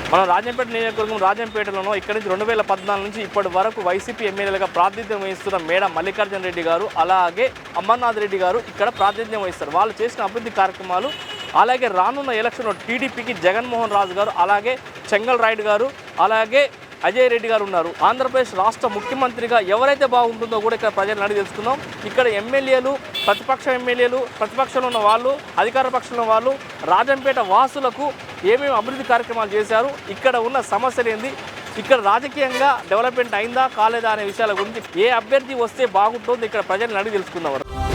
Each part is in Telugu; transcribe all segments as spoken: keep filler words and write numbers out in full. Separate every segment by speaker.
Speaker 1: మనం రాజంపేట నియోజకవర్గం రాజంపేటలోనో ఇక్కడి నుంచి రెండు వేల పద్నాలుగు నుంచి ఇప్పటి వరకు వైసీపీ ఎమ్మెల్యేలుగా ప్రాతినిధ్యం వహిస్తున్న మేడ మల్లికార్జున రెడ్డి గారు అలాగే అమర్నాథ్ రెడ్డి గారు ఇక్కడ ప్రాతినిధ్యం వహిస్తారు. వాళ్ళు చేసిన అభివృద్ధి కార్యక్రమాలు అలాగే రానున్న ఎలక్షన్లో టీడీపీకి జగన్మోహన్ రాజు గారు అలాగే చెంగల్ రాయుడు గారు అలాగే అజయ్ రెడ్డి గారు ఉన్నారు. ఆంధ్రప్రదేశ్ రాష్ట్ర ముఖ్యమంత్రిగా ఎవరైతే బాగుంటుందో కూడా ఇక్కడ ప్రజలను అడిగి తెలుసుకుందాం. ఇక్కడ ఎమ్మెల్యేలు, ప్రతిపక్ష ఎమ్మెల్యేలు, ప్రతిపక్షంలో ఉన్న వాళ్ళు, అధికార పక్షంలో వాళ్ళు రాజంపేట వాసులకు ఏమేమి అభివృద్ధి కార్యక్రమాలు చేశారు, ఇక్కడ ఉన్న సమస్యలు ఏంది, ఇక్కడ రాజకీయంగా డెవలప్మెంట్ అయిందా కాలేదా అనే విషయాల గురించి ఏ అభ్యర్థి వస్తే బాగుంటుందో ఇక్కడ ప్రజలను అడిగి తెలుసుకుందాం.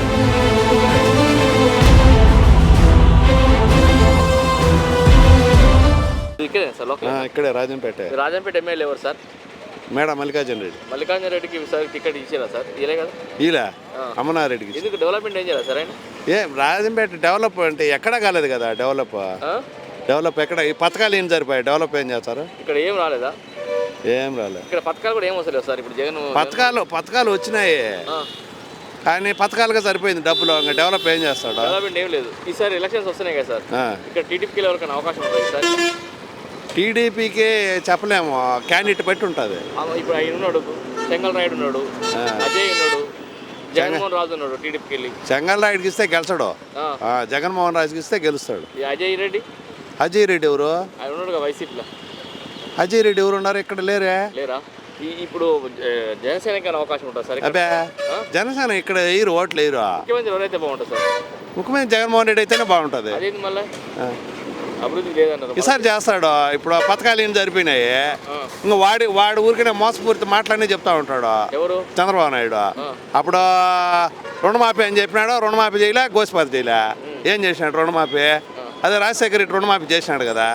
Speaker 1: ఇక్కడే సార్
Speaker 2: ఇక్కడే రాజంపేట.
Speaker 1: రాజంపేట ఎమ్మెల్యే ఎవరు సార్?
Speaker 2: మేడం మల్లికార్జున రెడ్డి.
Speaker 1: మల్లికార్జున రెడ్డికి సార్ టికెట్ ఇచ్చారా సార్? ఇలే కదా
Speaker 2: ఇలా అమర్నాథ్ రెడ్డికి.
Speaker 1: ఎందుకు డెవలప్మెంట్ ఏం చేయాలి సార్ ఆయన?
Speaker 2: ఏం రాజంపేట డెవలప్ అంటే ఎక్కడా కాలేదు కదా. డెవలప్ డెవలప్ ఎక్కడ ఈ పథకాలు ఏం సరిపోయాయి? డెవలప్ ఏం చేస్తారు?
Speaker 1: ఇక్కడ ఏం రాలేదా?
Speaker 2: ఏం రాలేదు.
Speaker 1: ఇక్కడ పథకాలు కూడా ఏం వస్తలేదు సార్. ఇప్పుడు జగన్
Speaker 2: పథకాలు పథకాలు వచ్చినాయి కానీ పథకాలుగా సరిపోయింది డబ్బులు. ఇంకా డెవలప్ ఏం చేస్తాడు?
Speaker 1: డెవలప్మెంట్ ఏం లేదు. ఈసారి ఎలక్షన్స్ వస్తున్నాయి కదా సార్, ఇక్కడ టీడీపీకి ఎవరికైనా అవకాశం ఉంటుంది సార్?
Speaker 2: టీడీపీకి చెప్పలేము, క్యాండిడేట్ బట్టి ఉంటుంది.
Speaker 1: ఇప్పుడు ఆయన ఉన్నాడు, చెంగల్ రాయుడు ఉన్నాడు, అజయ్ ఉన్నాడు, జగన్మోహన్ రాజు ఉన్నాడు. టీడీపీకి వెళ్ళి
Speaker 2: చెంగల్ రాయుడికి ఇస్తే గెలిచాడు, జగన్మోహన్ రాజుకి ఇస్తే గెలుస్తాడు.
Speaker 1: అజయ్ రెడ్డి
Speaker 2: అజయ్ రెడ్డి ఎవరు?
Speaker 1: ఆయన ఉన్నాడు వైసీపీలో.
Speaker 2: అజయ్ రెడ్డి ఎవరు ఉన్నారు? ఇక్కడ లేరే.
Speaker 1: లేరా? ఇప్పుడు జనసేనకి అవకాశం ఉంటుంది సార్?
Speaker 2: అబ్బే జనసేన ఇక్కడ వేయరు, ఓట్లు వేయరు.
Speaker 1: ముఖ్యమంత్రి ఎవరైతే బాగుంటుంది సార్?
Speaker 2: ముఖ్యమంత్రి జగన్మోహన్ రెడ్డి అయితేనే బాగుంటుంది.
Speaker 1: అదేంటి మళ్ళీ అభివృద్ధి లేదన్నారు.
Speaker 2: ఈసారి చేస్తాడు. ఇప్పుడు పథకాలు ఏం సరిపోయినాయి. ఇంకా వాడి వాడి ఊరికనే మోసపూరిత మాటలన్నీ చెప్తా ఉంటాడు.
Speaker 1: ఎవరు?
Speaker 2: చంద్రబాబు నాయుడు. అప్పుడు రుణమాఫీ అని చెప్పినాడు, రుణమాఫీ చేయలే, గోసిపాతి చేయలే. ఏం చేసినాడు రుణమాఫీ? అదే రాజశేఖర రెడ్డి రుణమాఫీ చేసినాడు కదా.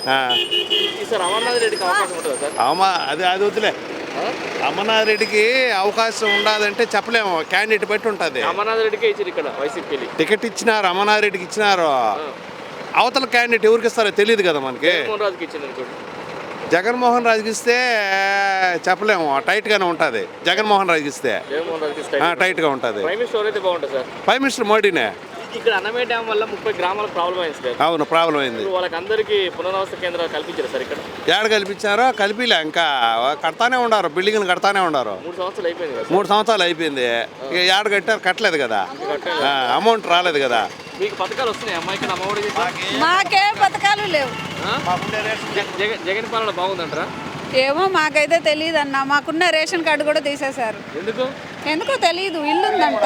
Speaker 2: అమ్మా అది అది వద్దులే. అమర్నాథ్ రెడ్డికి అవకాశం ఉండదంటే చెప్పలేము, క్యాండిడేట్ బట్టి ఉంటుంది.
Speaker 1: అమర్నాథ్ రెడ్డికి ఇచ్చారు ఇక్కడ వైసీపీ
Speaker 2: టికెట్ ఇచ్చినారు, అమర్నాథ్ రెడ్డికి ఇచ్చినారు. అవతల క్యాండిడేట్ ఎవరికి ఇస్తారో తెలియదు కదా మనకి. జగన్మోహన్ రాజుకి ఇస్తే చెప్పలేము, టైట్గానే ఉంటుంది. జగన్మోహన్ రాజుకి ఇస్తే టైట్గా ఉంటుంది. ప్రైమ్ మినిస్టర్ మోడీనే.
Speaker 1: ఇక్కడ అన్నమయ్య డ్యామ్ వల్ల ముప్పై గ్రామాలకు ప్రాబ్లం అయింది సార్.
Speaker 2: అవును, ప్రాబ్లం అయింది.
Speaker 1: వాళ్ళకి అందరికీ పునరావాస కేంద్రాలు కల్పించారు సార్ ఇక్కడ?
Speaker 2: ఏడ కల్పించారో కలిపిలే, ఇంకా కడతానే ఉన్నారు, బిల్డింగ్లు కడతానే ఉన్నారు.
Speaker 1: మూడు సంవత్సరాలు అయిపోయింది.
Speaker 2: మూడు సంవత్సరాలు అయిపోయింది. ఇక ఏడ కట్టారు, కట్టలేదు కదా, అమౌంట్ రాలేదు కదా.
Speaker 1: మీకు పథకాలు వస్తున్నాయి అమ్మా ఇక్కడ? అమ్మఒడి
Speaker 3: మాకే పథకాలు లేవు.
Speaker 1: జగన్ పాలన బాగుందంటారా?
Speaker 3: ఏమో మాకైతే తెలియదు అన్న. మాకున్న రేషన్ కార్డు కూడా తీసేశారు.
Speaker 1: ఎందుకు?
Speaker 3: ఎందుకో తెలియదు. ఇల్లు ఉందంట,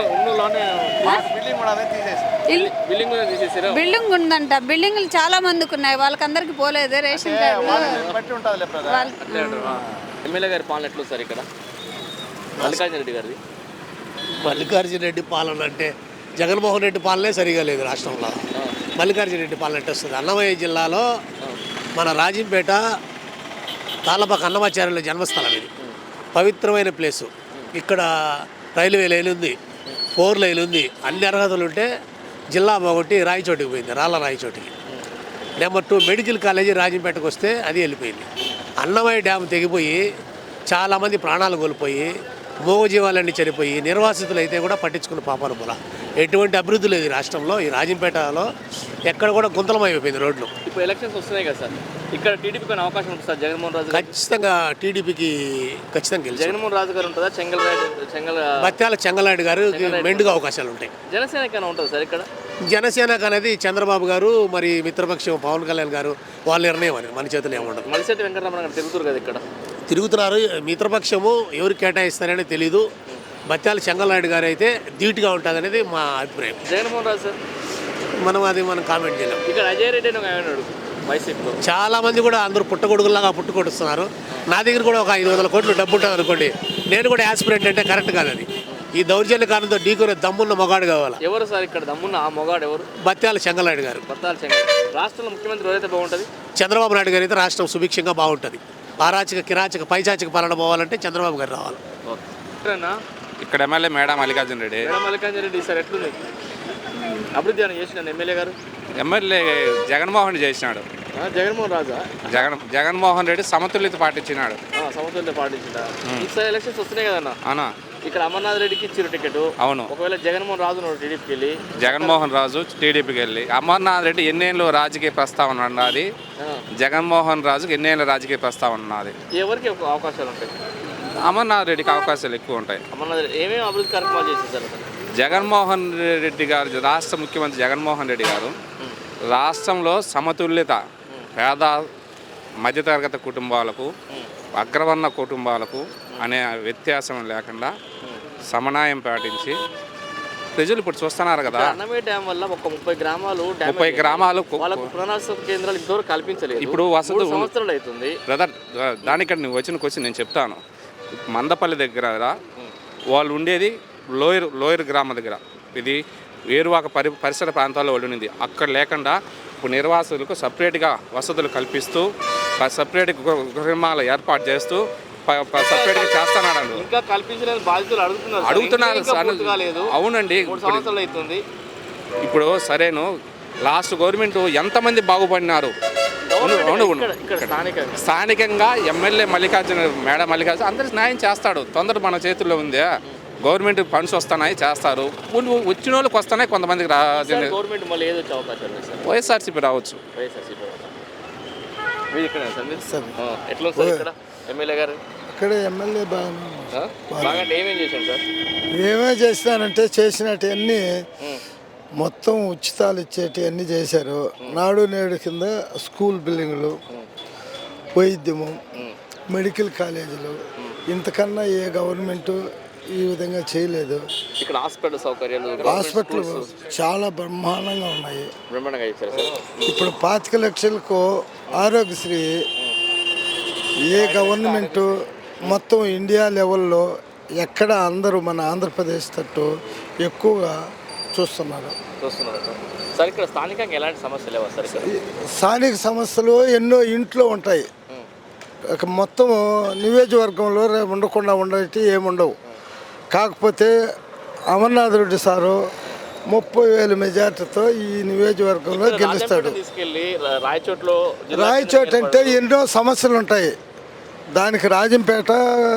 Speaker 3: బిల్డింగ్ ఉందంట. బిల్డింగ్లు చాలా మందికి ఉన్నాయి, వాళ్ళకందరికి పోలేదు రేషన్ కార్డు.
Speaker 1: ఎమ్మెల్యే గారి పాలన ఎట్లా సార్ ఇక్కడ? మల్లికార్జున రెడ్డి గారిది.
Speaker 4: మల్లికార్జున రెడ్డి పాలన అంటే జగన్మోహన్ రెడ్డి పాలనే సరిగా లేదు రాష్ట్రంలో. మల్లికార్జున రెడ్డి పాలన ఎట్టు వస్తుంది? అన్నమయ్య జిల్లాలో మన రాజంపేట తాళ్ళపాక అన్నమాచార్యుల జన్మస్థలం. ఇది పవిత్రమైన ప్లేసు. ఇక్కడ రైల్వే లైన్ ఉంది, ఫోర్ లైన్ ఉంది, అన్ని అర్హతలు ఉంటే జిల్లా బాగొట్టి రాయచోటికి పోయింది, రాళ్ళ రాయచోటికి. నెంబర్ టూ మెడికల్ కాలేజీ రాజంపేటకు వస్తే అది వెళ్ళిపోయింది. అన్నమయ్య డ్యామ్ తెగిపోయి చాలామంది ప్రాణాలు కోల్పోయి మూగజీవాలన్నీ చనిపోయి నిర్వాసితులు అయితే కూడా పట్టించుకున్న పాపాను మూల. ఎటువంటి అభివృద్ధి లేదు ఈ రాష్ట్రంలో. ఈ రాజంపేటలో ఎక్కడ కూడా గుంతలమైపోయింది రోడ్లు.
Speaker 1: ఇప్పుడు ఎలక్షన్స్ వస్తున్నాయి కదా సార్, ఇక్కడ టీడీపీకి అవకాశం ఉంటుంది సార్? జగన్మోహన్ రాజు
Speaker 4: ఖచ్చితంగా టీడీపీకి ఖచ్చితంగా గెలుస్తారు.
Speaker 1: జగన్మోహన్ రాజు గారు ఉంటుందా? చెంగల్ చెంగల్
Speaker 4: బత్యాల చెంగలాయుడు గారు మెండుగా అవకాశాలు ఉంటాయి.
Speaker 1: జనసేనకైనా ఉంటుంది సార్ ఇక్కడ?
Speaker 4: జనసేనకు అనేది చంద్రబాబు గారు మరి మిత్రపక్షం పవన్ కళ్యాణ్ గారు వాళ్ళ నిర్ణయం అని మన చేతులు ఏముండదు.
Speaker 1: మలిశెట్టి వెంకటరమణ గారు తిరుగుతారు కదా ఇక్కడ?
Speaker 4: తిరుగుతున్నారు. మిత్రపక్షము ఎవరు కేటాయిస్తారనే తెలీదు. బత్యాల చెంగలాయుడు గారు అయితే ధీటుగా ఉంటుంది అనేది మా అభిప్రాయం.
Speaker 1: జగన్మోహన్ రాజు సార్
Speaker 4: మనం అది మనం కామెంట్ చేయలేం.
Speaker 1: ఇక్కడ అజయ్ రెడ్డి అని వైసీపీలో
Speaker 4: చాలా మంది కూడా అందరూ పుట్టగొడుగులాగా పుట్టుకొడుస్తున్నారు. నా దగ్గర కూడా ఒక ఐదు వందల కోట్లు డబ్బు ఉంటుంది అనుకోండి, నేను కూడా యాస్పిరెంట్ అంటే కరెక్ట్ కాదు. అది ఈ దౌర్జన్య కారణంతో ఢీకొనే దమ్మున్న మొగాడు కావాలి.
Speaker 1: ఎవరు సార్ ఇక్కడ దమ్మున్న ఆ మొగాడు ఎవరు?
Speaker 4: బత్యాల చెంగలాయుడు గారు.
Speaker 1: బత్యాల చెంగల్ రాష్ట్రంలో ముఖ్యమంత్రి ఎవరైతే బాగుంటుంది?
Speaker 4: చంద్రబాబు నాయుడు గారు అయితే రాష్ట్రం సుభిక్షంగా బాగుంటుంది. అరాచక కిరాచక పైచాచక పాలన పోవాలంటే చంద్రబాబు గారు రావాలి.
Speaker 5: ఇక్కడ ఎమ్మెల్యే మేడ మల్లికార్జున రెడ్డి.
Speaker 1: మేడ మల్లికార్జున రెడ్డి సార్ ఎట్లుంది అభివృద్ధి అని చేసిన ఎమ్మెల్యే గారు?
Speaker 5: ఎమ్మెల్యే జగన్మోహన్ చేసినాడు.
Speaker 1: జగన్మోహన్ రాజా?
Speaker 5: జగన్ జగన్మోహన్ రెడ్డి సమతుల్యత పాటించినాడు.
Speaker 1: సమతుల్యత పాటించిన. ఈసారి ఎలక్షన్స్ వస్తున్నాయి కదన్నా
Speaker 5: అన్నా,
Speaker 1: ఇక్కడ అమర్నాథ్ రెడ్డికి ఇచ్చారు టికెట్.
Speaker 5: అవును.
Speaker 1: ఒకవేళ జగన్మోహన్ రాజు టీడీపీకి వెళ్ళి
Speaker 5: జగన్మోహన్ రాజు టీడీపీకి వెళ్ళి అమర్నాథ్ రెడ్డి ఎన్నేళ్ళు రాజకీయ ప్రస్తావన ఉన్నది. జగన్మోహన్ రాజుకి ఎన్నేళ్ళ రాజకీయ ప్రస్తావన ఉన్నది.
Speaker 1: ఎవరికి అవకాశాలు ఉంటాయి?
Speaker 5: అమర్నాథ్ రెడ్డికి అవకాశాలు ఎక్కువ ఉంటాయి.
Speaker 1: అమర్నాథ్ రెడ్డి ఏమేమి అభివృద్ధి కార్యక్రమాలు చేసేసారు?
Speaker 5: జగన్మోహన్ రెడ్డి గారు, రాష్ట్ర ముఖ్యమంత్రి జగన్మోహన్ రెడ్డి గారు రాష్ట్రంలో సమతుల్యత, పేద మధ్యతరగతి కుటుంబాలకు, అగ్రవర్ణ కుటుంబాలకు అనే వ్యత్యాసం లేకుండా సమన్వయం పాటించి ప్రజలు ఇప్పుడు చూస్తున్నారు కదా.
Speaker 1: అన్నమయ్య డ్యామ్ వల్ల ఒక ముప్పై గ్రామాలు
Speaker 5: ముప్పై గ్రామాలు
Speaker 1: వాళ్ళకు పునరావాస కేంద్రాలు ఇంతవరకు కల్పించలేదు.
Speaker 5: ఇప్పుడు వసతి
Speaker 1: సంవత్సరాలు అవుతుంది.
Speaker 5: బ్రదర్, దానికంటే నువ్వు వచ్చిన క్వశ్చన్ నేను చెప్తాను. మందపల్లి దగ్గర వాళ్ళు ఉండేది లోయర్ లోయర్ గ్రామం దగ్గర. ఇది వేరువాక పరి పరిసర ప్రాంతాల్లో వాళ్ళు ఉండింది. అక్కడ లేకుండా ఇప్పుడు నిర్వాసులకు సపరేట్గా వసతులు కల్పిస్తూ సపరేట్ గృహాలు ఏర్పాటు చేస్తూ సపరేట్గా చేస్తున్నాడు.
Speaker 1: ఇంకా కల్పించలేని బాధితులు అడుగుతున్నారు
Speaker 5: అడుగుతున్నారు అవునండి.
Speaker 1: సంవత్సరాలు అవుతుంది.
Speaker 5: ఇప్పుడు సరేను, లాస్ట్ గవర్నమెంట్ ఎంతమంది బాగుపడినారు. స్థానికంగా ఎమ్మెల్యే మల్లికార్జున మేడ మల్లికార్జున అందరికి న్యాయం చేస్తాడు. తొందర మన చేతుల్లో ఉంది. గవర్నమెంట్ ఫండ్స్ వస్తున్నాయి, చేస్తారు. వచ్చిన వాళ్ళకి వస్తున్నాయి, కొంతమందికి రా. వైఎస్ఆర్సీపీ రావచ్చు.
Speaker 6: ఇక్కడ ఎమ్మెల్యే బాగా
Speaker 1: ఏమేం చేశాను సార్?
Speaker 6: ఏమే చేసినారంటే చేసినట్టు అన్నీ మొత్తం ఉచితాలు ఇచ్చేటి అన్నీ చేశారు. నాడు నేడు కింద స్కూల్ బిల్డింగ్లు, వైద్యము, మెడికల్ కాలేజీలు ఇంతకన్నా ఏ గవర్నమెంటు ఈ విధంగా చేయలేదు.
Speaker 1: ఇక్కడ హాస్పిటల్ సౌకర్యాలు,
Speaker 6: హాస్పిటల్ చాలా బ్రహ్మాండంగా ఉన్నాయి.
Speaker 1: బ్రహ్మాండంగా ఇచ్చారు సార్.
Speaker 6: ఇప్పుడు పాతిక లక్షలకు ఆరోగ్యశ్రీ ఏ గవర్నమెంటు మొత్తం ఇండియా లెవెల్లో ఎక్కడ అందరూ మన ఆంధ్రప్రదేశ్ తట్టు ఎక్కువగా చూస్తున్నారు
Speaker 1: చూస్తున్నారు సార్. ఇక్కడ స్థానికంగా ఎలాంటి సమస్యలు లేవా సార్?
Speaker 6: స్థానిక సమస్యలు ఎన్నో ఇంట్లో ఉంటాయి. మొత్తం నియోజకవర్గంలో ఉండకుండా ఉండేటి ఏముండవు. కాకపోతే అమర్నాథ్ రెడ్డి సారు ముప్పై వేల మెజార్టీతో ఈ నియోజకవర్గంలో గెలుస్తాడు. రాయచోట అంటే ఎన్నో సమస్యలు ఉంటాయి. దానికి రాజంపేట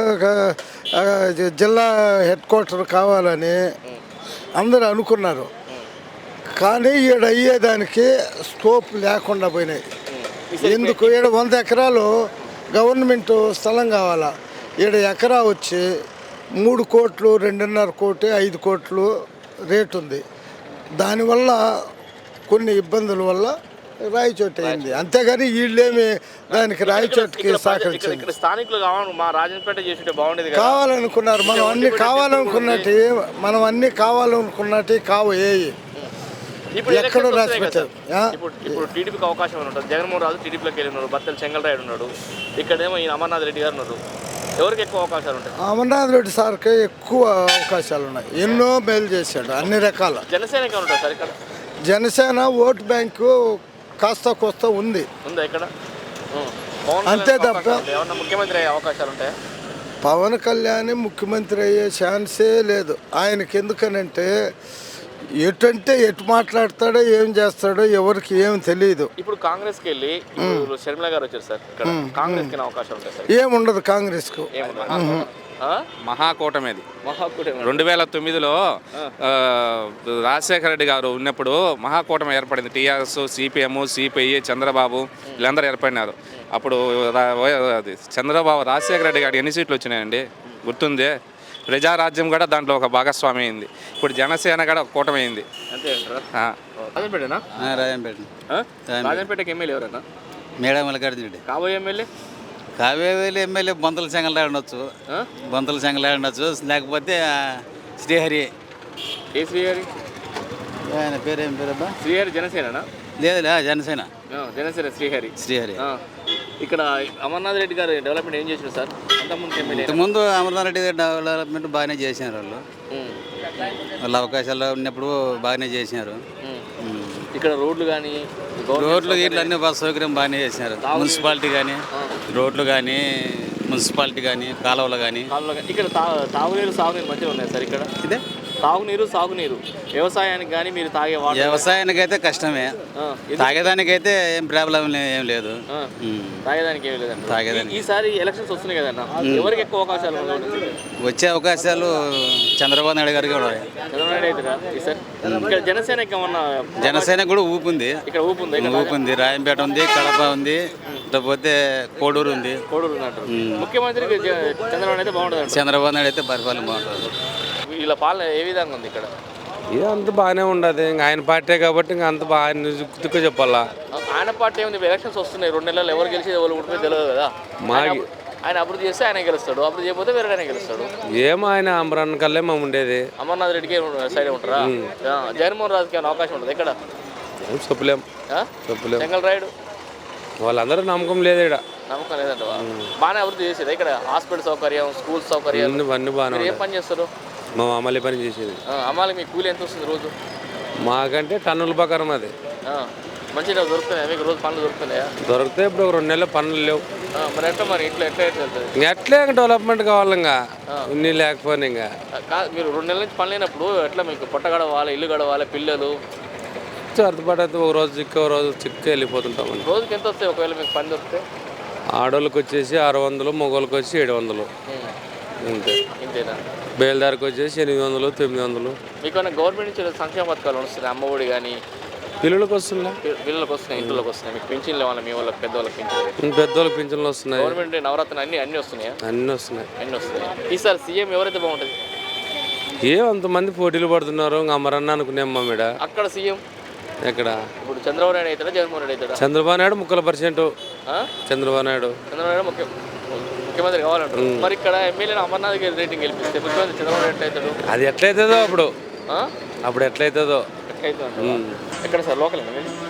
Speaker 6: జిల్లా హెడ్ క్వార్టర్ కావాలని అందరూ అనుకున్నారు. కానీ ఈడ అయ్యేదానికి స్కోప్ లేకుండా పోయినాయి. ఎందుకు? ఈడ వంద ఎకరాలు గవర్నమెంట్ స్థలం కావాలా. ఈడ ఎకరా వచ్చి మూడు కోట్లు రెండున్నర కోటి ఐదు కోట్లు రేటు ఉంది. దానివల్ల కొన్ని ఇబ్బందుల వల్ల రాయచోట అయింది. అంతేగాని వీళ్ళేమి దానికి రాయచోటకి సహకరించారు.
Speaker 1: స్థానికులు
Speaker 6: కావాలనుకున్నారు. మనం అన్ని కావాలనుకున్నట్టు మనం అన్ని కావాలనుకున్నట్టు కావు. ఏ ఎక్కడో రాసి పెట్టారు.
Speaker 1: ఇప్పుడు టీడీపీకి అవకాశం ఉంటుంది. జగన్మోహన్ రాజు టీడీపీలోకి వెళ్ళి ఉన్నారు. బత్తల చెంగల్రాయుడు ఉన్నాడు. ఇక్కడేమో ఈయన అమర్నాథ్ రెడ్డి గారు ఉన్నారు. ఎవరికి ఎక్కువ అవకాశాలు ఉంటాయి?
Speaker 6: అమర్నాథ్ రెడ్డి సార్కి ఎక్కువ అవకాశాలు ఉన్నాయి. ఎన్నో మేలు చేశాడు అన్ని రకాల.
Speaker 1: జనసేనకి ఉంటారు సార్ ఇక్కడ.
Speaker 6: జనసేన ఓటు బ్యాంకు కాస్త కోస్త ఉంది
Speaker 1: ఉందా ఇక్కడ?
Speaker 6: అంతే తప్ప
Speaker 1: ముఖ్యమంత్రి అయ్యే అవకాశాలు ఉంటాయి.
Speaker 6: పవన్ కళ్యాణ్ ముఖ్యమంత్రి అయ్యే ఛాన్సే లేదు. ఆయనకి ఎందుకనంటే ఎటంటే ఎటు మాట్లాడతాడో ఏం చేస్తాడో ఎవరికి ఏం తెలియదు.
Speaker 1: ఇప్పుడు కాంగ్రెస్కి వెళ్ళి షర్మిల గారు వచ్చారు సార్. ఇక్కడ కాంగ్రెస్ కి అవకాశం ఉంటాయి సార్?
Speaker 6: ఏముండదు కాంగ్రెస్ కు.
Speaker 5: మహాకూటమిది రెండు వేల తొమ్మిదిలో రాజశేఖర రెడ్డి గారు ఉన్నప్పుడు మహాకూటమి ఏర్పడింది. టీఆర్ఎస్, సిపిఎం, సిపిఐ, చంద్రబాబు వీళ్ళందరూ ఏర్పడినారు. అప్పుడు చంద్రబాబు రాజశేఖర రెడ్డి గారికి ఎన్ని సీట్లు వచ్చినాయండి గుర్తుందే? ప్రజారాజ్యం కూడా దాంట్లో ఒక భాగస్వామి అయింది. ఇప్పుడు జనసేన కూడా ఒక కూటమి అయింది.
Speaker 1: రాజంపేటకి ఎమ్మెల్యే ఎవరన్నా?
Speaker 7: మేడా మల్లికార్జున రెడ్డి.
Speaker 1: కాబోయే ఎమ్మెల్యే
Speaker 7: కాబోయే ఎమ్మెల్యే బొంతల చెంగలాడు ఉండొచ్చు. బొంతల చెంగలాడు ఉండొచ్చు. లేకపోతే శ్రీహరి.
Speaker 1: ఏ శ్రీహరి?
Speaker 7: ఆయన పేరు ఏం పేరు అబ్బా?
Speaker 1: శ్రీహరి జనసేన?
Speaker 7: లేదులే, జనసేన.
Speaker 1: జనసేన శ్రీహరి.
Speaker 7: శ్రీహరి.
Speaker 1: ఇక్కడ అమర్నాథ్ రెడ్డి గారు డెవలప్మెంట్ ఏం చేశారు సార్?
Speaker 7: ఇంతకుముందు అమర్నాథ్ రెడ్డి గారు డెవలప్మెంట్ బాగానే చేసినారు. వాళ్ళు వాళ్ళ అవకాశాలు ఉన్నప్పుడు బాగానే చేసినారు.
Speaker 1: ఇక్కడ రోడ్లు కానీ
Speaker 7: రోడ్లు ఇట్లా అన్ని బస్ సౌకర్యం బాగానే చేసినారు. మున్సిపాలిటీ కానీ రోడ్లు కానీ మున్సిపాలిటీ కానీ కాలువలు కానీ.
Speaker 1: ఇక్కడ తాగునీరు సాగునీరు మంచిగా ఉన్నాయి సార్ ఇక్కడ.
Speaker 7: ఇదే
Speaker 1: తాగునీరు సాగునీరు వ్యవసాయానికి కానీ మీరు తాగే వాటర్
Speaker 7: వ్యవసాయానికి అయితే కష్టమే,
Speaker 1: ఆ, ఇది-
Speaker 7: తాగేదానికైతే ఏం ప్రాబ్లం ఏం లేదు.
Speaker 1: ఆ,
Speaker 7: ఉమ్.
Speaker 1: తాగేదానికి ఏమి లేదండి
Speaker 7: తాగేదానికి.
Speaker 1: ఈసారి ఎలక్షన్స్ వస్తున్నాయి కదన్న ఎవరికి ఎక్కువ అవకాశాలు ఉన్నాయి?
Speaker 7: వచ్చే అవకాశాలు చంద్రబాబు నాయుడు గారికి ఉన్నాయి.
Speaker 1: చంద్రబాబు నాయుడు అవుతారా ఈసారి? ఇక్కడ జనసేనకి ఏమన్నా
Speaker 7: జనసేన కూడా ఊపుంది,
Speaker 1: ఇక్కడ ఊపు ఉందా? ఇక్కడ
Speaker 7: ఊపుంది. రాయంపేట ఉంది, కడప ఉంది, లేకపోతే కోడూరు ఉంది.
Speaker 1: కోడూరు ఉన్నట్టు ముఖ్యమంత్రికి జ- చంద్రబాబు అయితే బాగుంటుంది
Speaker 7: చంద్రబాబు నాయుడు అయితే పరిపాలన బాగుంటుంది.
Speaker 1: వీళ్ళ పాలన ఏ విధంగా ఉంది ఇక్కడ?
Speaker 8: ఇది అంత బాగానే ఉండదు. ఇంకా ఆయన పార్టీ కాబట్టి ఇంకా అంత బాగా దిక్కు చెప్పాలా.
Speaker 1: ఆయన పార్టీ ఏముంది? ఎలక్షన్స్ వస్తున్నాయి రెండు నెలలు, ఎవరు గెలిచి ఎవరు ఉడిపోయి తెలియదు కదా.
Speaker 8: మాకి-
Speaker 1: ఆయన అభి- ఆయన అభివృద్ధి చేస్తే ఆయన గెలుస్తాడు, అభివృద్ధి చేయకపోతే వేరే ఆయన గెలుస్తాడు.
Speaker 8: ఏమో ఆయన అమరాన్ కల్లే మేము ఉండేది.
Speaker 1: అమర్నాథ్ రెడ్డికి సైడ్ ఉంటారా? ఆ, జగన్మోహన్ రాజుకి ఏమైనా అవకాశం ఉంటుంది ఇక్కడ?
Speaker 8: ఏం చెప్పలేం
Speaker 1: ఆ?
Speaker 8: చెప్పలేం.
Speaker 1: చెంగల్ రాయుడు
Speaker 8: వాళ్ళందరూ నమ్మకం లేదు ఇక్కడ.
Speaker 1: నమ్మకం లేదంట. బాగానే అభివృద్ధి చేసేది ఇక్కడ, హాస్పిటల్ సౌకర్యం, స్కూల్ సౌకర్యాలు.
Speaker 8: అన్ని అన్ని బాగానే
Speaker 1: మీరు ఏం
Speaker 8: ఉన్నాయి.
Speaker 1: పని చేస్తారు?
Speaker 8: మా అమలు పని చేసేది.
Speaker 1: ఆ, అమ్మాలి మీ కూలి ఎంత వస్తుంది రోజు?
Speaker 8: మాకంటే టన్నుల ప్రకారం అది
Speaker 1: ఆ, మంచిగా దొరుకుతున్నాయా మీకు? రోజు పనులు దొరుకుతున్నాయా?
Speaker 8: దొరికితే ఇప్పుడు ఒక రెండు నెలల పనులు లేవు.
Speaker 1: ఆ, మరి ఎట్లా మరి ఇంట్లో ఎట్లా ఎట్లా వెళ్తుంది?
Speaker 8: ఇంకా ఎట్లే ఇంకా డెవలప్మెంట్ కావాలి. ఇంకా ఇన్ని లేకపోయినా ఇంకా
Speaker 1: కాదు, మీరు రెండు నెలల నుంచి పని లేనప్పుడు ఎట్లా మీకు పొట్ట గడవాలి, ఇల్లు గడవాలి, పిల్లలు?
Speaker 8: అర్థపడైతే ఒక రోజు చిక్క ఒక రోజు చిక్క వెళ్ళిపోతుంటామని.
Speaker 1: రోజుకి ఎంత వస్తాయి ఒకవేళ మీకు పని దొరికితే?
Speaker 8: ఆడోళ్ళకి వచ్చేసి ఆరు వందలు, మగవాళ్ళకి వచ్చి ఏడు వందలు అంతే.
Speaker 1: ఇంతేనా?
Speaker 8: బయలుదేరికి వచ్చేసి ఎనిమిది వందలు, తొమ్మిది వందలు.
Speaker 1: మీకు ఏమైనా గవర్నమెంట్ నుంచి సంక్షేమ పథకాలు వస్తున్నాయి? అమ్మఒడి కానీ
Speaker 8: పిల్లలకు వస్తుందా?
Speaker 1: పిల్లలకు వస్తున్నాయి, ఇంట్లోకి వస్తున్నాయి. మీకు పెన్షన్లు ఇవ్వాలి, మీ వాళ్ళకి పెద్దవాళ్ళకి పెన్షన్?
Speaker 8: పెద్దోళ్ళకి పింఛన్లు వస్తున్నాయి,
Speaker 1: గవర్నమెంట్ నవరత్న అన్ని అన్ని వస్తున్నాయా?
Speaker 8: అన్నీ వస్తున్నాయి.
Speaker 1: అన్ని వస్తున్నాయి. ఈసారి సీఎం ఎవరైతే బాగుంటుంది?
Speaker 8: ఏం అంతమంది పోటీలు పడుతున్నారు. ఇంకా అమరన్న అనుకునేం మా మీద.
Speaker 1: అక్కడ సీఎం
Speaker 8: ఎక్కడ
Speaker 1: ఇప్పుడు చంద్రబాబు నాయుడు అవుతాడా, జగన్మోహన్ రెడ్డి అవుతాడా?
Speaker 8: చంద్రబాబు నాయుడు ముక్కల పర్సెంట్.
Speaker 1: ఆ?
Speaker 8: చంద్రబాబు నాయుడు
Speaker 1: చంద్రబాబు నాయుడు ముఖ్య ముఖ్యమంత్రి కావాలంటారు. మరి ఇక్కడ ఎమ్మెల్యేని అమర్నాథ్ గారి రేటింగ్ గెలిపిస్తే ముఖ్యమంత్రి చంద్రబాబు నాయుడు ఎట్లా అవుతాడు?
Speaker 8: అది ఎట్లయితుందో అప్పుడు
Speaker 1: ఆ?
Speaker 8: అప్పుడు ఎట్లయితుందో.
Speaker 1: ఎట్లా అవుతుంది అంటావా? ఎక్కడ సార్ లోకల్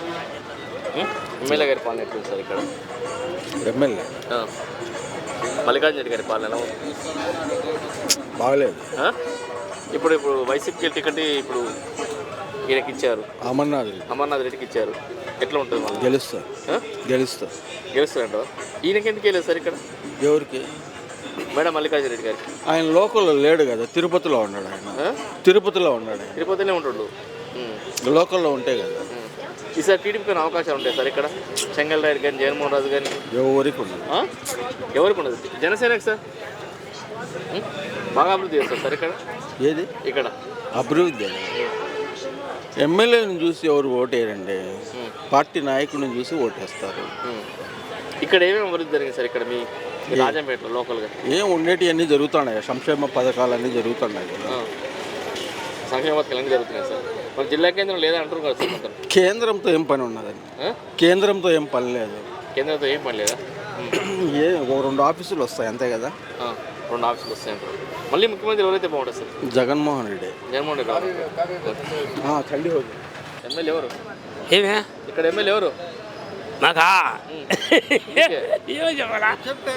Speaker 1: ఎమ్మెల్యే గారి పాలన ఎట్లుంది సార్ ఇక్కడ?
Speaker 6: ఎమ్మెల్యే
Speaker 1: ఆ. మల్లికార్జున రెడ్డి గారి పాలన ఎలా ఉంది?
Speaker 6: బాగలేదు.
Speaker 1: ఆ? ఇప్పుడు ఇప్పుడు వైసీపీకి టికెట్ ఇప్పుడు ఈయనకి ఇచ్చారు,
Speaker 6: అమర్నాథ్ రెడ్డి
Speaker 1: అమర్నాథ్ రెడ్డికి ఇచ్చారు. ఎట్లా ఉంటుంది మళ్ళీ?
Speaker 6: గెలుస్తా
Speaker 1: ఆ?
Speaker 6: గెలుస్తా
Speaker 1: గెలుస్తారంట. ఈయనకి ఎందుకు వెళ్ళలేదు సార్ ఇక్కడ?
Speaker 6: ఎవరికి?
Speaker 1: మేడం మల్లికార్జున రెడ్డి గారికి.
Speaker 6: ఆయన లోకల్లో లేడు కదా, తిరుపతిలో ఉన్నాడు ఆయన.
Speaker 1: ఆ?
Speaker 6: తిరుపతిలో ఉన్నాడు ఆయన.
Speaker 1: తిరుపతిలో ఉంటుండు. ఉమ్.
Speaker 6: లోకల్లో ఉంటే కదా.
Speaker 1: ఉమ్. ఈసారి టీడీపీకి అవకాశాలు ఉంటాయి సార్ ఇక్కడ? చెంగల్ రాయుడు కానీ, జగన్మోహన్ రాజు కానీ?
Speaker 6: ఎవరికి ఉండదు.
Speaker 1: ఆ? ఎవరికి ఉండదు? జనసేనకి సార్ ఉమ్? బాగా అభివృద్ధి చేస్తారు సార్ ఇక్కడ.
Speaker 6: ఏది
Speaker 1: ఇక్కడ
Speaker 6: అభివృద్ధి? ఎమ్మెల్యేలను చూసి ఎవరు ఓటేయరండి, పార్టీ నాయకుడిని చూసి ఓటేస్తారు.
Speaker 1: ఉమ్. ఇక్కడ ఏమేమి అభివృద్ధి జరిగింది సార్ ఇక్కడ మీ మీ రాజంపేటలో లోకల్గా?
Speaker 6: ఏం ఉండేటివి అన్నీ జరుగుతున్నాయి, సంక్షేమ పథకాలు అన్నీ జరుగుతున్నాయి కదా.
Speaker 1: ఆ. సంక్షేమ పథకాలు అన్నీ జరుగుతున్నాయి సార్. మరి జిల్లా కేంద్రం లేదా అంటారు కదా సార్ మొత్తం?
Speaker 6: కేంద్రంతో ఏం పని ఉన్నదండి,
Speaker 1: ఆ?
Speaker 6: కేంద్రంతో ఏం పని లేదు.
Speaker 1: కేంద్రంతో ఏం పని లేదా? ఉమ్.
Speaker 6: ఏ ఓ రెండు ఆఫీసులు వస్తాయి అంతే కదా.
Speaker 1: ఆ. రెండు ఆఫీసులు వస్తాయంటారు. మళ్ళీ ముఖ్యమంత్రి ఎవరైతే బాగుంటుంది సార్?
Speaker 6: జగన్మోహన్ రెడ్డి.
Speaker 1: జగన్మోహన్ రెడ్డి రావాలి.
Speaker 6: చండి హోదు.
Speaker 1: ఎమ్మెల్యే ఎవరు
Speaker 9: ఏమే
Speaker 1: ఇక్కడ? ఎమ్మెల్యే ఎవరు?
Speaker 9: నాకా ఏమో చెప్పాలా?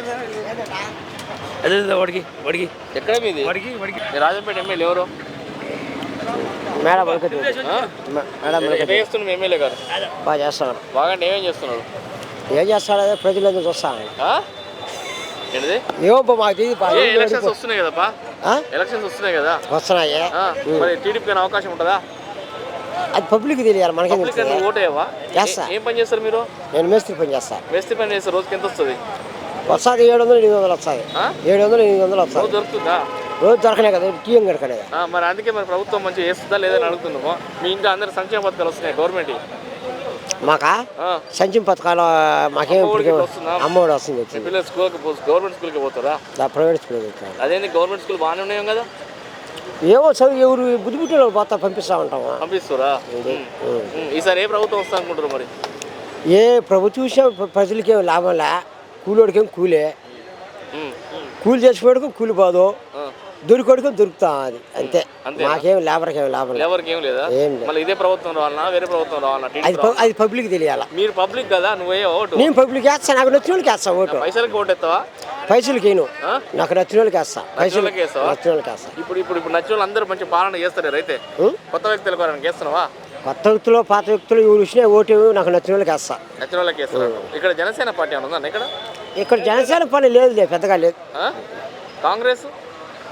Speaker 9: అదే వాడికి వాడికి
Speaker 1: ఎక్కడ మీది?
Speaker 9: వాడికి వాడికి
Speaker 1: మీ రాజంపేట ఎమ్మెల్యే ఎవరు?
Speaker 10: మేడం
Speaker 1: ఆ?
Speaker 10: మేడం
Speaker 1: ఏం చేస్తున్నాడు మీ ఎమ్మెల్యే గారు?
Speaker 10: బాగా చేస్తున్నాడు.
Speaker 1: బాగా ఏమేం చేస్తున్నాడు?
Speaker 10: ఏం చేస్తాడు అదే ప్రజలందరూ చూస్తాను.
Speaker 1: ఆ? ఏంటిది?
Speaker 10: ఏమో మాకు తెలియదు పా.
Speaker 1: ఏ ఎలక్షన్స్ వస్తున్నాయి కదపా,
Speaker 10: ఆ?
Speaker 1: ఎలక్షన్స్ వస్తున్నాయి కదా.
Speaker 10: వస్తున్నాయి.
Speaker 1: ఆ, మరి టీడీపీకి అవకాశం ఉంటుందా?
Speaker 10: అది పబ్లిక్ తెలియాలి, మనకేం
Speaker 1: పబ్లిక్
Speaker 10: తెలుస్తుంది?
Speaker 1: నువ్వు ఓటేవా?
Speaker 10: చేస్తా.
Speaker 1: ఏం పని చేస్తారు మీరు?
Speaker 10: నేను మేస్త్రి పని చేస్తాను.
Speaker 1: మేస్త్రి పని చేస్తారు. రోజుకి ఎంత వస్తుంది?
Speaker 10: వస్తుంది ఏడు వందలు ఎనిమిది వందలు వస్తుంది.
Speaker 1: ఆ?
Speaker 10: ఏడు వందలు ఎనిమిది వందలు
Speaker 1: రోజు
Speaker 10: వస్తుంది.
Speaker 1: దొరుకుతుందా?
Speaker 10: రోజు దొరకనే కదా, టీఎం గడకనేదా.
Speaker 1: ఆ, మరి అందుకే మరి ప్రభుత్వం మంచిగా చేస్తుందా లేదని అడుగుతున్నాము. మీ ఇంట్లో అందరు సంక్షేమ పథకాలు వస్తున్నాయి గవర్నమెంట్?
Speaker 10: మాకా
Speaker 1: ఆ.
Speaker 10: సంక్షేమ పథకాలు మాకేం
Speaker 1: అమ్మఒడికి
Speaker 10: ఇప్పటికే
Speaker 1: వస్తుందా?
Speaker 10: అమ్మఒడి వస్తుంది.
Speaker 1: మీ
Speaker 10: వచ్చింది
Speaker 1: పిల్లలు స్కూల్కి పో గవర్నమెంట్ స్కూల్కి పోతారా?
Speaker 10: ప్రైవేట్ స్కూల్ పెట్టాను.
Speaker 1: అదేంటి గవర్నమెంట్ స్కూల్ బాగానే ఉన్నాయం కదా?
Speaker 10: ఏమో చదువు ఎవరు బుద్ధి పుట్టిన వాళ్ళు పోతా పంపిస్తూ ఉంటాము.
Speaker 1: పంపిస్తారా? ఈసారి ఏ ప్రభుత్వం వస్తా అనుకుంటారు మరి?
Speaker 10: ఏ ప్రభుత్వం చూసినా ప్రజలకేం లాభం లే, కూలోడికేం కూలే.
Speaker 1: ఉమ్.
Speaker 10: కూలి చేసిపోయాడుకో కూలి పోదు,
Speaker 1: ఆ.
Speaker 10: దొరికోడికో దొరుకుతా అది అంతే.
Speaker 1: అంతేనా?
Speaker 10: మాకేం లేబర్కి ఏం లాభం లేదు.
Speaker 1: ఎవరికి ఏం లేదా?
Speaker 10: ఏం లేదు.
Speaker 1: మళ్ళీ ఇదే ప్రభుత్వం రావాలన్నా వేరే ప్రభుత్వం రావాలన్నా?
Speaker 10: అది
Speaker 1: టీడీపీ
Speaker 10: ప-
Speaker 1: రావాలా?
Speaker 10: అది పబ్లిక్ తెలియాల.
Speaker 1: మీరు పబ్లిక్ కదా, నువ్వే ఓటు.
Speaker 10: నేను పబ్లిక్ వేస్తా, నాకు నచ్చిన వాళ్ళకి వేస్తా ఓటు.
Speaker 1: పైసలకి ఓటు ఎత్తావా?
Speaker 10: పైసలకి వేయను,
Speaker 1: ఆ?
Speaker 10: నాకు నచ్చిన వాళ్ళకి వేస్తా. పైసలు
Speaker 1: వాళ్ళకి వేస్తావా?
Speaker 10: నచ్చిన వాళ్ళకి వేస్తా.
Speaker 1: ఇప్పుడు ఇప్పుడు ఇప్పుడు నచ్చిన వాళ్ళు అందరూ మంచి పాలన చేస్తారు అయితే
Speaker 10: ఉం?
Speaker 1: కొత్త వ్యక్తుల కొరకు వేస్తున్నావా?
Speaker 10: కొత్త వ్యక్తులు పాత వ్యక్తులు ఎవరు వచ్చినా ఓటు నాకు నచ్చిన వాళ్ళకి వేస్తా.
Speaker 1: నచ్చిన వాళ్ళకి వేస్తారు. ఇక్కడ జనసేన పార్టీ అని ఉందా ఇక్కడ?
Speaker 10: ఇక్కడ జనసేన పని లేదులే, పెద్దగా లేదు.
Speaker 1: ఆ? కాంగ్రెస్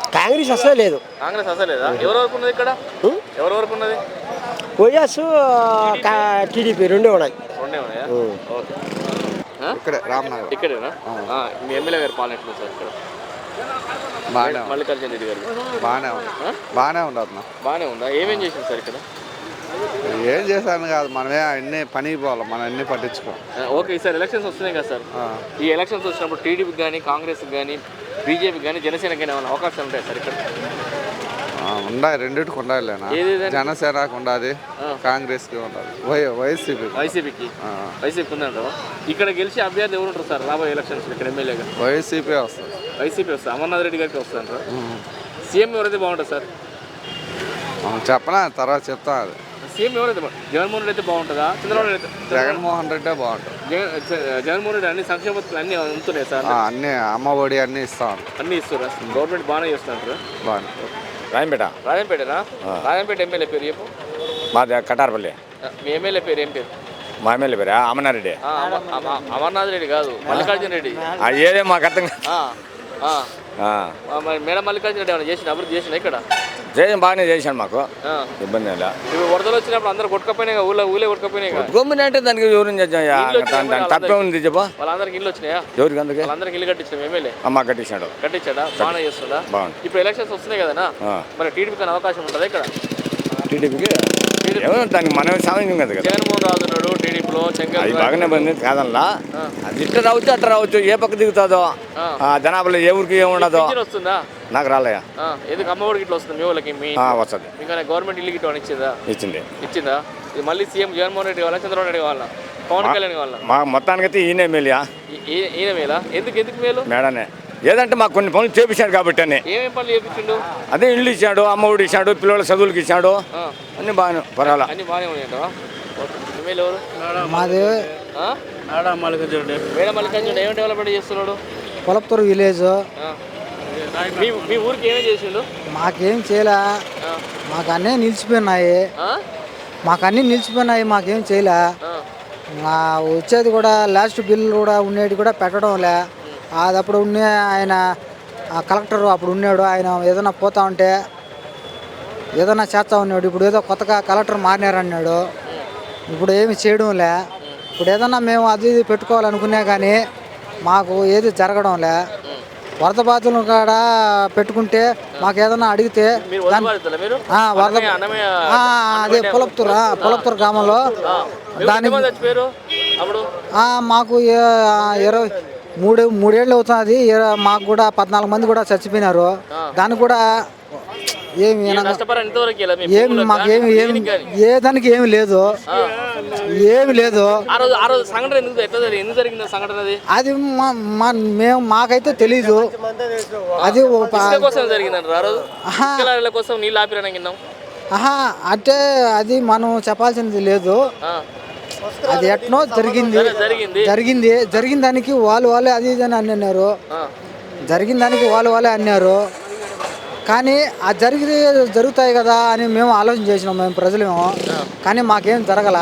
Speaker 10: కాంగ్రెస్ అసలే లేదు.
Speaker 1: కాంగ్రెస్ అసలు లేదా? ఎవరి వరకు ఉన్నది ఇక్కడ? ఎవరి వరకు ఉన్నది?
Speaker 10: వైఎస్ టీడీపీ రెండే ఉన్నాయి.
Speaker 1: రెండే ఉన్నాయా? ఓకే.
Speaker 2: ఇక్కడ రామనగర్
Speaker 1: ఇక్కడేనా? మీ ఎమ్మెల్యే గారు పాలన ఎట్లుంది సార్ ఇక్కడ?
Speaker 2: బాగానే
Speaker 1: మల్లికార్జున రెడ్డి గారు
Speaker 2: బాగానే ఉంది బాగానే ఉండదు.
Speaker 1: బాగానే ఉందా? ఏమేం చేసింది సార్ ఇక్కడ?
Speaker 2: ఏం చేశాను కాదు, మనమే అన్ని పనికి పోవాలి, మనం అన్ని పట్టించుకోం.
Speaker 1: ఓకే, ఈసారి ఎలక్షన్స్ వస్తున్నాయి కదా సార్. ఈ ఎలక్షన్స్ వచ్చినప్పుడు టీడీపీకి కానీ కాంగ్రెస్కి కానీ బీజేపీకి కానీ జనసేనకి కానీ ఏమైనా అవకాశాలు ఉంటాయి సార్ ఇక్కడ?
Speaker 2: ఉండాలి, రెండింటికి ఉండాలినా. జనసేనకు ఉండాలి, కాంగ్రెస్కి ఉండాలి, వై వైసీపీ
Speaker 1: వైసీపీకి వైసీపీ ఉందంటారా? ఇక్కడ గెలిచి అభ్యర్థి ఎవరు ఉంటారు సార్ రాబోయే ఎలక్షన్స్ ఇక్కడ ఎమ్మెల్యేగా?
Speaker 2: వైసీపీ వస్తుంది.
Speaker 1: వైసీపీ వస్తుంది. అమర్నాథ్ రెడ్డి గారికి వస్తుంటారా? సీఎం ఎవరైతే బాగుంటుంది సార్?
Speaker 2: చెప్పనా, తర్వాత చెప్తా. అది
Speaker 1: సీఎం ఎవరైతే జగన్మోహన్ రెడ్డి అయితే బాగుంటుందా? చంద్రబాబు నాయుడు?
Speaker 2: జగన్మోహన్ రెడ్డే బాగుంటుంది.
Speaker 1: జగన్మోహన్ రెడ్డి అన్ని సంక్షేమ పథకాలు అన్నీ ఉంటున్నాయి సార్.
Speaker 2: అన్ని అమ్మ ఒడి అన్నీ ఇస్తాను.
Speaker 1: అన్నీ ఇస్తారా? గవర్నమెంట్ బాగానే చేస్తుంటారు.
Speaker 2: బాగా
Speaker 11: రాజంపేట.
Speaker 1: రాజంపేటనా? రాజంపేట ఎమ్మెల్యే పేరు చెప్పు.
Speaker 11: మాది కటారపల్లి.
Speaker 1: మీ ఎమ్మెల్యే పేరు ఏం పేరు?
Speaker 11: మా ఎమ్మెల్యే పేరు అమర్నాథ్ రెడ్డి.
Speaker 1: అమర్నాథ్ రెడ్డి కాదు, మల్లికార్జున రెడ్డి.
Speaker 11: ఏదే మాకు అర్థం
Speaker 1: మరి మేడం మల్లికార్జున రెడ్డి ఏమైనా చేసిన అభివృద్ధి చేసిన ఇక్కడ?
Speaker 11: చేసిన బాగానే చేశాను, మాకు ఇబ్బంది లేదు.
Speaker 1: ఇప్పుడు వరదలు వచ్చినప్పుడు అందరూ కొట్టుకపోయినాయి, ఊళ్ళో ఊళ్ళే కొట్టుకపోయినాయి.
Speaker 11: కొట్టుకోమని అంటే దానికి ఎవరు తప్పే ఉంది చెప్పా.
Speaker 1: వాళ్ళందరికి ఇల్లు వచ్చినాయా?
Speaker 11: ఎవరికి అందుకే
Speaker 1: వాళ్ళందరికి ఇల్లు కట్టించిన ఎమ్మెల్యే
Speaker 11: అమ్మ కట్టించాడు.
Speaker 1: కట్టించాడా? బాగానే చేస్తుందా?
Speaker 11: బాగుంది.
Speaker 1: ఇప్పుడు ఎలక్షన్స్ వస్తున్నాయి కదా, మరి టీడీపీకి అవకాశం ఉంటుంది ఇక్కడ?
Speaker 11: టీడీపీకి దానికి మనం సామాన్యం కదా.
Speaker 1: జగన్మోహన్ రాజు ఉన్నాడు టీడీపీలో,
Speaker 11: అది బాగానే బంది కాదల్లా. అది ఇట్లా రావచ్చు అట్లా రావచ్చు, ఏ పక్క దిగుతుందో జనాభాలో ఏ ఊరికి ఏముండదో.
Speaker 1: వస్తుందా?
Speaker 11: నాకు రాలేయా.
Speaker 1: ఎందుకు అమ్మఒడికి ఇట్లా వస్తుంది మీ వాళ్ళకి? మీ
Speaker 11: వస్తుంది.
Speaker 1: ఇంకా గవర్నమెంట్ ఇల్లు గిట్ట ఇచ్చిందా?
Speaker 11: ఇచ్చింది.
Speaker 1: ఇచ్చిందా? ఇది మళ్ళీ సీఎం జగన్మోహన్ రెడ్డి కావాలా, చంద్రబాబు నాయుడు కావాలా, పవన్ కళ్యాణ్ కావాలా?
Speaker 11: మా మొత్తానికైతే ఈయన మేలుయా.
Speaker 1: ఈయన మేలా? ఎందుకు ఎందుకు మేలు?
Speaker 11: మేడనే ఏదంటే మాకు కొన్ని పనులు చేపించాడు కాబట్టి అని.
Speaker 1: ఏమేమి పనులు చేపించిండు?
Speaker 11: అదే ఇల్లు ఇచ్చాడు, అమ్మఒడి ఇచ్చాడు, పిల్లల చదువులకి ఇచ్చాడు, అన్ని బాగానే పర్వాలా.
Speaker 1: అన్ని బాగానే ఉన్నాయంట. ఎమ్మెల్యే ఎవరు?
Speaker 10: మాది
Speaker 1: మేడం మల్లికార్జున మేడం మల్లికార్జున ఏం డెవలప్మెంట్ చేస్తున్నాడు?
Speaker 10: పొలపుతూరు విలేజ్.
Speaker 1: మీ మీ ఊరికి ఏమేమి చేసిండు?
Speaker 10: మాకేం చేయలే, మాకు అన్నీ నిలిచిపోయినాయి. మాకు అన్నీ నిలిచిపోయినాయి, మాకేం చేయలే. వచ్చేది కూడా లాస్ట్ బిల్లు కూడా ఉండేది కూడా పెట్టడం లే. అది అప్పుడు ఉన్న ఆయన కలెక్టర్ అప్పుడు ఉన్నాడు, ఆయన ఏదైనా పోతా ఉంటే ఏదైనా చేస్తా ఉన్నాడు. ఇప్పుడు ఏదో కొత్తగా కలెక్టర్ మారినారన్నాడు, ఇప్పుడు ఏమి చేయడం లే. ఇప్పుడు ఏదన్నా మేము అది ఇది పెట్టుకోవాలనుకున్నా కానీ మాకు ఏది జరగడం లే. వరద బాధితులు కాడ పెట్టుకుంటే మాకు ఏదన్నా అడిగితే వరద అదే పొలపుతూరు పొలపుతూరు గ్రామంలో దానికి మాకు ఇరవై మూడు మూడేళ్ళు అవుతుంది. మాకు కూడా పద్నాలుగు మంది కూడా చచ్చిపోయినారు. దానికి కూడా ఏమి ఏమి మాకేమి ఏమి ఏ దానికి ఏమి లేదు, ఏమి లేదు. అది మేము మాకైతే తెలీదు. అది అంటే అది మనం చెప్పాల్సింది లేదు. అది ఎట్నో జరిగింది జరిగింది జరిగిన దానికి వాళ్ళు వాళ్ళే అది ఇది అని అన్నారు. జరిగిన దానికి వాళ్ళు వాళ్ళే అన్నారు. కానీ ఆ జరిగి జరుగుతాయి కదా అని మేము ఆలోచన చేసినాం మేము ప్రజలేమో. కానీ మాకేం జరగల.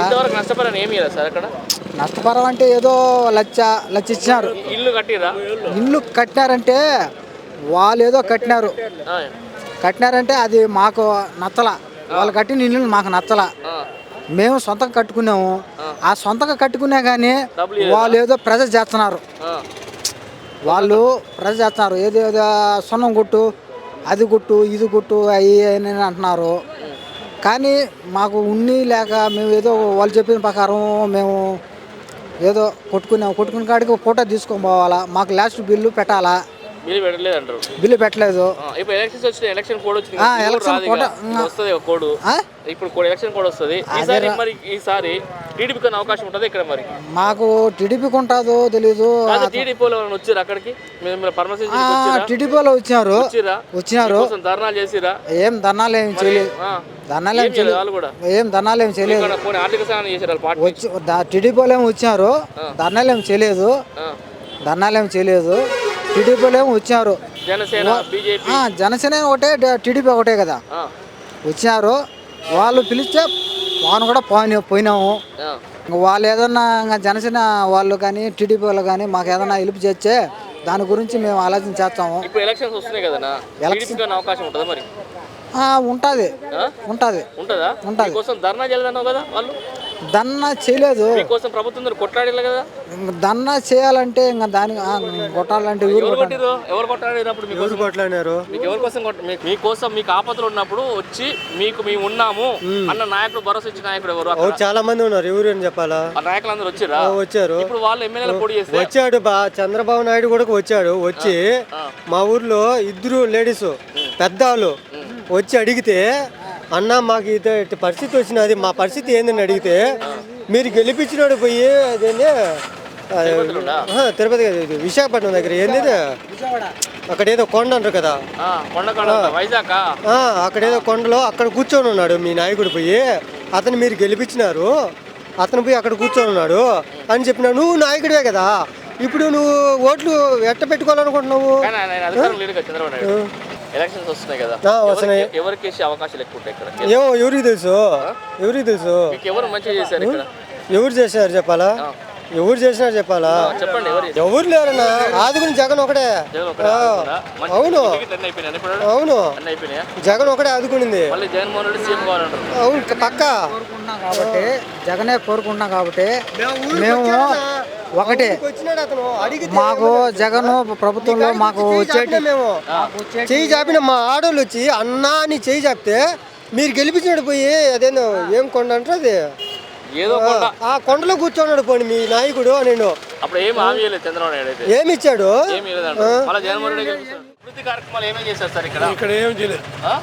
Speaker 10: నష్టపరం అంటే ఏదో లచ్చ లచ్చ ఇచ్చినారు. ఇల్లు కట్టినారంటే వాళ్ళు ఏదో కట్టినారు కట్టినారంటే అది మాకు నచ్చల. వాళ్ళు కట్టిన ఇల్లు మాకు నచ్చల. మేము సొంతంగా కట్టుకున్నాము. ఆ సొంతంగా కట్టుకున్నా కానీ వాళ్ళు ఏదో ప్రెజర్ చేస్తున్నారు. వాళ్ళు ప్రెజర్ చేస్తున్నారు ఏదో ఏదో సొన్నం కొట్టు, అది కొట్టు, ఇది కొట్టు అవి అని అంటున్నారు. కానీ మాకు ఉన్ని లేక మేము ఏదో వాళ్ళు చెప్పిన ప్రకారం మేము ఏదో కొట్టుకున్నాము. కొట్టుకున్న కాడికి ఫోటో తీసుకొని పోవాలా, మాకు లాస్ట్ బిల్లు పెట్టాలా.
Speaker 1: బిల్లు పెట్టలేదు అంటారు.
Speaker 10: బిల్లు పెట్టలేదు.
Speaker 1: ఇప్పుడు ఎలక్షన్స్ వచ్చినాయి, ఎలక్షన్ కోడ్ వచ్చింది. ఎలక్షన్ కోడ్ వస్తుంది, ఒక కోడ్ ఇప్పుడు ఎలక్షన్ కోడ్ వస్తుంది. ఈసారి మరి ఈసారి టీడీపీకి అవకాశం ఉంటుంది ఇక్కడ. మరి
Speaker 10: మాకు టీడీపీకి ఉంటుందో తెలీదు.
Speaker 1: టీడీపీలో వచ్చారు అక్కడికి,
Speaker 10: టీడీపీలో వచ్చినారు వచ్చినారు
Speaker 1: ధర్నాలు చేసిరా?
Speaker 10: ఏం ధర్నాలు ఏం చేయలేదు. ధర్నాలు ఏం చేయలేదు. ఏం ధర్నాలు ఏం చేయలేదు.
Speaker 1: ఆర్థిక సహాయం చేశారు.
Speaker 10: టీడీపీలో ఏమి వచ్చినారు, ధర్నాలు ఏం చేయలేదు. ధర్నాలు ఏమి చేయలేదు. టీడీపీలో ఏమి వచ్చారు. జనసేన ఒకటే, టీడీపీ ఒకటే కదా వచ్చినారు. వాళ్ళు పిలిస్తే వాను కూడా పోయి పోయినాము. వాళ్ళు ఏదన్నా జనసేన వాళ్ళు కానీ టీడీపీ వాళ్ళు కానీ మాకు ఏదన్నా హెల్ప్ చేస్తే దాని గురించి మేము ఆలోచన చేస్తాము.
Speaker 1: ఇప్పుడు ఎలక్షన్స్ వస్తున్నాయి కదా, టీడీపీకి ఏమైనా అవకాశం ఉంటుందా మరి?
Speaker 10: ఉంటుంది ఉంటుంది
Speaker 1: ఉంటుందా?
Speaker 10: ఉంటుంది.
Speaker 1: కోసం ధర్నా చేయలేదన్నావు కదా వాళ్ళు?
Speaker 10: దన్నా చేయలేదు.
Speaker 1: మీకోసం ప్రభుత్వం కొట్లాడలే కదా?
Speaker 10: దన్నా చేయాలంటే ఇంకా దాని కొట్టాలంటే
Speaker 1: ఎవరు కొట్టిరు? ఎవరు కొట్లాడినప్పుడు
Speaker 6: ఎవరు కొట్లాడినారు?
Speaker 1: మీకు ఎవరి కోసం కొట్ట- మీ- మీకోసం మీకు ఆపదలు ఉన్నప్పుడు వచ్చి మీకు మేము ఉన్నాము అన్న నాయకుడు, భరోసా ఇచ్చిన నాయకుడు ఎవరు? అక్కడ
Speaker 6: చాలా మంది ఉన్నారు. ఎవరు అని చెప్పాలా?
Speaker 1: ఆ నాయకులు అందరూ వచ్చిరా?
Speaker 6: వచ్చారు.
Speaker 1: ఇప్పుడు వాళ్ళు ఎమ్మెల్యేలు పోటీ చేస్తే
Speaker 6: వచ్చాడు బా చంద్రబాబు నాయుడు కూడా వచ్చాడు. వచ్చి మా ఊర్లో ఇద్దరు లేడీస్ పెద్దవాళ్ళు వచ్చి అడిగితే, అన్న మాకు ఇదే పరిస్థితి వచ్చినది, మా పరిస్థితి ఏందని అడిగితే, మీరు గెలిపించినాడు పోయి అదేంటి తిరుపతి కాదు, ఇది విశాఖపట్నం దగ్గర ఏంది అక్కడ ఏదో కొండ అంటారు కదా,
Speaker 1: వైజాగ్
Speaker 6: అక్కడ ఏదో కొండలో అక్కడ కూర్చొని ఉన్నాడు మీ నాయకుడు పోయి. అతను మీరు గెలిపించినారు, అతను పోయి అక్కడ కూర్చొని ఉన్నాడు అని చెప్పినా. నువ్వు నాయకుడివే కదా, ఇప్పుడు నువ్వు ఓట్లు ఎట్ట పెట్టుకోవాలనుకుంటున్నావు?
Speaker 1: ఎలక్షన్స్ వస్తున్నాయి కదా,
Speaker 6: వస్తున్నాయి.
Speaker 1: ఎవరికి వేసే అవకాశాలు ఎక్కువ ఉంటాయి ఇక్కడ?
Speaker 6: ఏమో ఎవరికి తెలుసు, ఎవరికి తెలుసు.
Speaker 1: మీకు ఎవరు మంచిగా చేశారు ఇక్కడ?
Speaker 6: ఎవరు చేశారు చెప్పాలా? ఎవరు చేసినారు చెప్పాలా?
Speaker 1: చెప్పండి.
Speaker 6: ఎవరు లేరన్నా, ఆదుకుని జగన్ ఒకటే. అవును అవును, జగన్ ఒకటే ఆదుకునింది.
Speaker 1: జగన్మోహన్ రెడ్డి సీఎం కావాలంటారు.
Speaker 6: అవును పక్క
Speaker 10: కాబట్టి జగనే కోరుకుంటున్నాం కాబట్టి మేము ఒకటే. మాకు జగన్ ప్రభుత్వంలో మాకు వచ్చేటి
Speaker 6: మేము చెయ్యి చాపిన మా ఆడోళ్ళు వచ్చి అన్నా అని చెయ్యి చాపితే మీరు గెలిపించినట్టు పోయి అదేనో ఏం కొండ అంటారు అది,
Speaker 1: ఏదో
Speaker 6: ఆ కొండలో కూర్చోన్నాడు పోనీ మీ నాయకుడు. నేను
Speaker 1: అప్పుడు ఏం హామీ లేదు చంద్రబాబు నాయుడు అయితే.
Speaker 6: ఏమి ఇచ్చాడు?
Speaker 1: ఏమీ లేదంట. మళ్ళీ జగన్మోహన్ రెడ్డి అభివృద్ధి కార్యక్రమాలు ఏమేమి చేశారు సార్ ఇక్కడ?
Speaker 6: ఇక్కడ ఏం చేయలేదు.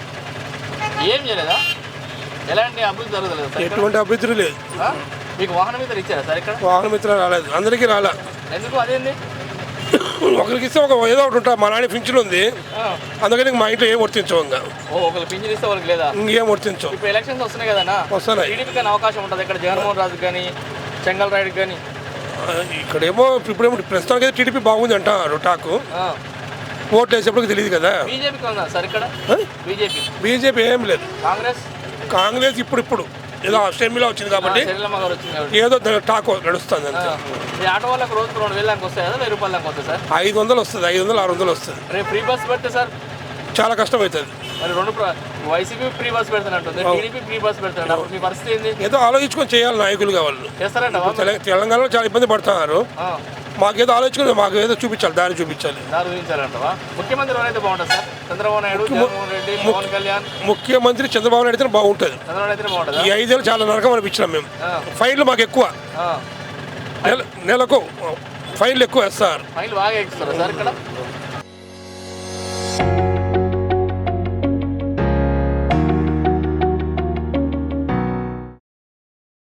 Speaker 1: ఏం చేయలేదా? ఎలాంటి అభివృద్ధి జరగలేదు సార్?
Speaker 6: ఎటువంటి అభివృద్ధి లేదు.
Speaker 1: మీకు వాహన మిత్ర ఇచ్చారా సార్ ఇక్కడ?
Speaker 6: వాహన మిత్ర రాలేదు, అందరికీ రాలే.
Speaker 1: ఎందుకు? అదేంది?
Speaker 6: ఒకరికి ఇస్తే ఒక ఏదో ఒకటి ఉంటా. మా నాన్న పింఛన్ ఉంది, అందుకని మా ఇంట్లో ఏం వర్తించవు. ఇంకా
Speaker 1: ఒకరికి పింఛన్ ఇస్తే వాళ్ళకి లేదా?
Speaker 6: ఇంకేం వర్తించవు.
Speaker 1: ఇప్పుడు ఎలక్షన్స్ వస్తున్నాయి కదా,
Speaker 6: వస్తున్నాయి.
Speaker 1: టీడీపీకి అవకాశం ఉంటుంది ఇక్కడ, జగన్మోహన్ రాజు కానీ చెంగల్ రాయుడు కానీ.
Speaker 6: ఇక్కడేమో ఇప్పుడేమో ప్రస్తుతానికి అయితే టీడీపీ బాగుంది అంటారు టాకు. ఓట్లు వేసేప్పటికి తెలియదు కదా.
Speaker 1: బీజేపీకి ఉందా సార్ ఇక్కడ? బీజేపీ
Speaker 6: బీజేపీ ఏం లేదు.
Speaker 1: కాంగ్రెస్
Speaker 6: కాంగ్రెస్ ఇప్పుడు ఇప్పుడు ఏదో షర్మిలా వచ్చింది కాబట్టి ఏదో టాక్ నడుస్తుంది అంతే.
Speaker 1: ఈ ఆటో వాళ్ళకి రోజుకు రెండు వేల దాకా వస్తాయి కదా, వెయ్యి రూపాయల దాకా వస్తాయి సార్?
Speaker 6: ఐదు వందలు వస్తుంది, ఐదు వందలు ఆరు వందలు వస్తుంది.
Speaker 1: రేపు ఫ్రీ బస్ పెడితే సార్
Speaker 6: చాలా కష్టం అవుతుంది.
Speaker 1: మరి రెండు వైసీపీ ఫ్రీ బస్ పెడతానంటుంది, టీడీపీ ఫ్రీ బస్ పెడతాను. అప్పుడు మీ పరిస్థితి ఏంది?
Speaker 6: ఏదో ఆలోచించుకొని చేయాలి నాయకులుగా వాళ్ళు.
Speaker 1: చేస్తారంట.
Speaker 6: తెలంగాణలో చాలా ఇబ్బంది పడుతున్నారు. మాకేదో ఆలోచించుకుని మాకు ఏదో చూపించాలి, దారి చూపించాలి.
Speaker 1: దారి చూపించాలంటవా? ముఖ్యమంత్రి ఎవరైతే బాగుంటుంది సార్? చంద్రబాబు నాయుడు, జగన్మోహన్ రెడ్డి, పవన్ కళ్యాణ్?
Speaker 6: ముఖ్యమంత్రి చంద్రబాబు నాయుడు అయితే బాగుంటుంది.
Speaker 1: చంద్రబాబు అయితే బాగుంటుంది.
Speaker 6: ఈ ఐదేళ్ళు చాలా నరకం అనిపించినాం మేము. ఫైన్లు మాకు ఎక్కువ, నెల నెలకు ఫైన్లు ఎక్కువ వేస్తారు.
Speaker 1: ఫైన్లు బాగా ఎక్కిస్తారా సార్ ఇక్కడ?